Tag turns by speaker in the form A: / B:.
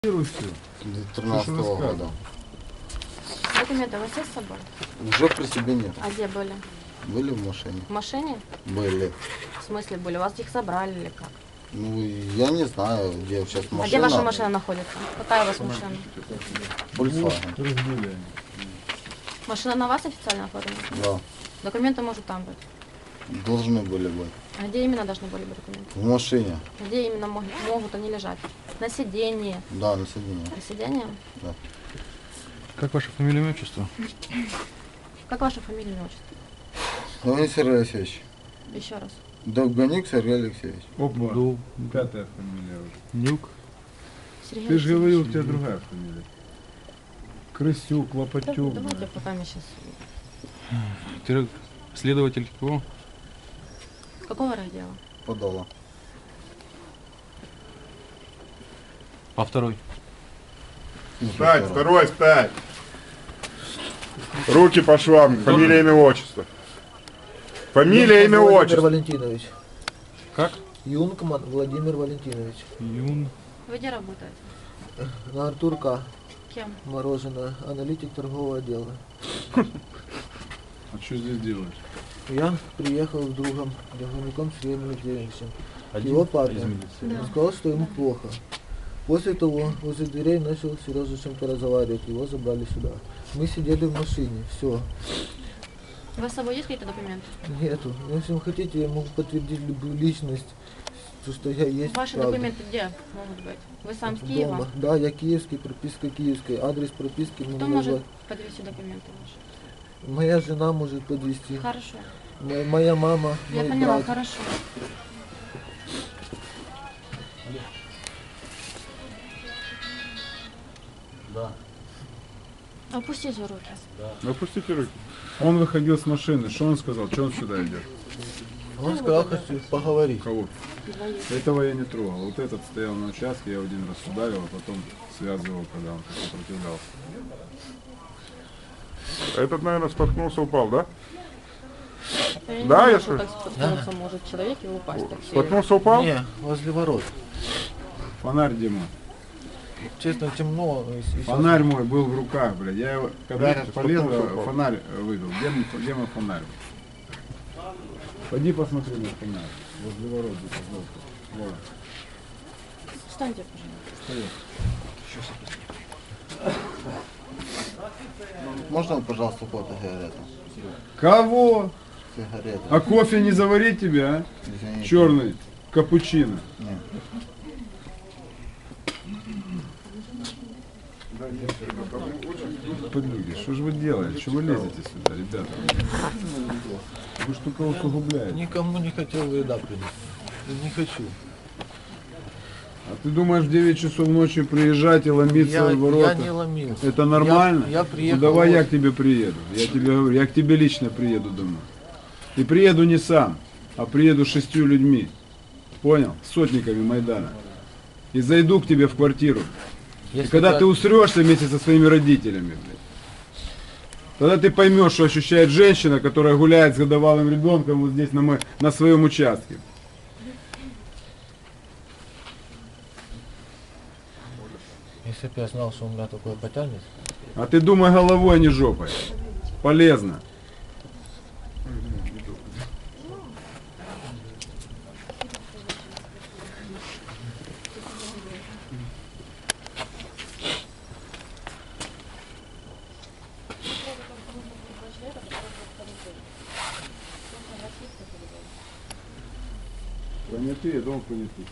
A: 2013 года.
B: Документы у вас есть с собой?
A: Уже при себе нет.
B: А где были?
A: Были в машине?
B: В машине?
A: Были.
B: В смысле были? У вас их забрали или как?
A: Ну, я не знаю, где сейчас машина.
B: А где ваша машина находится? Какая у вас машина?
A: Volkswagen.
B: Машина на вас официально оформлена?
A: Да.
B: Документы может там быть.
A: Должны были быть.
B: А где именно должны были быть документы?
A: В машине.
B: Где именно могут они лежать? На сиденье.
A: Да, на сиденье.
B: На сиденье?
A: Да.
C: Как ваша фамилия, имя, отчество?
B: Как ваша фамилия, имя, отчество?
A: Леонид Сергей Алексеевич.
B: Еще раз.
A: Довганик Сергей Алексеевич.
D: Опа, пятая фамилия уже.
C: Нюк.
B: Сергей
D: Ты же
B: Алексеевич.
D: говорил, у тебя другая фамилия. Крысюк, Лопатюк.
B: Давайте пока мы сейчас...
C: Ты следователь КО?
B: Какого раздела?
A: Подала.
C: А второй?
D: Встать, второй, встать. Руки по швам. Фамилия, имя, отчество. Фамилия, имя,
E: Владимир
D: отчество.
E: Валентинович.
C: Как?
E: Юнгман Владимир Валентинович.
C: Юн.
B: Вы где работаете?
E: На Артурка.
B: Кем?
E: Мороженое. Аналитик торгового отдела.
D: А что здесь делаешь?
E: Я приехал с другом, Довгаником Сергеем Алексеевичем. Его папе. Он сказал, что ему плохо. После того возле дверей начал Сережа с чем-то разговаривать. Его забрали сюда. Мы сидели в машине. Все.
B: У вас с собой есть какие-то документы?
E: Нету. Но если вы хотите, я могу подтвердить любую личность. То, что я есть.
B: Ваши
E: правда.
B: документы где могут быть? Вы сам с Киева?
E: Дома. Да, я киевский, прописка киевская. Адрес прописки
B: Кто
E: мне
B: может подвести документы ваши?
E: Моя жена может подвести.
B: Хорошо.
E: Моя мама,
B: Я
E: мой
B: поняла,
E: брат.
B: хорошо.
A: Да.
B: Опустите руки.
D: Опустите руки. Он выходил с машины. Что он сказал? Что он сюда идет?
E: Он сказал, хочу поговорить.
D: Кого? Этого я не трогал. Вот этот стоял на участке, я его один раз ударил, а потом связывал, когда он сопротивлялся. Этот, наверное, споткнулся, упал, да?
B: Я не
D: Да,
B: думаю,
D: я
B: что
D: слышу.
B: так споткнуться может человек и упасть. Так сильно.
D: Споткнулся, упал?
E: Не, возле ворот.
D: Фонарь, Дима.
E: Честно, темно. и сейчас-
D: Фонарь мой был в руках, блядь. Я его, когда
A: Видите,
D: полез,
A: споткнулся, упал.
D: фонарь вывел. Где мой фонарь? Пойди посмотри на фонарь. Возле ворот. где-то сбоку. Вот.
B: Встаньте, пожалуйста.
A: Можно, пожалуйста, фотосигарету?
D: Кого?
A: Сигареты.
D: А кофе не заварить тебе, а?
A: Извините.
D: Черный. Капучино.
A: Нет.
D: Подруги, что же вы делаете? Что вы лезете сюда, ребята? Вы что кого усугубляете?
E: Никому не хотел вреда принести. Не хочу.
D: А ты думаешь в 9 часов ночи приезжать и ломиться
E: Я
D: в ворота?
E: не ломился.
D: Это нормально?
E: Я приехал.
D: Ну давай
E: вот-
D: я к тебе приеду. Я тебе говорю, я к тебе лично приеду домой. И приеду не сам, а приеду с 6 людьми. Понял? С сотниками Майдана. И зайду к тебе в квартиру. И
E: Если
D: когда
E: так-
D: ты усрешься вместе со своими родителями, блядь, тогда ты поймешь, что ощущает женщина, которая гуляет с годовалым ребенком вот здесь на своем участке.
E: Если бы я знал, что у меня такое потянет.
D: А ты думай головой, а не жопой. Полезно. Понятый, я думал, понятый.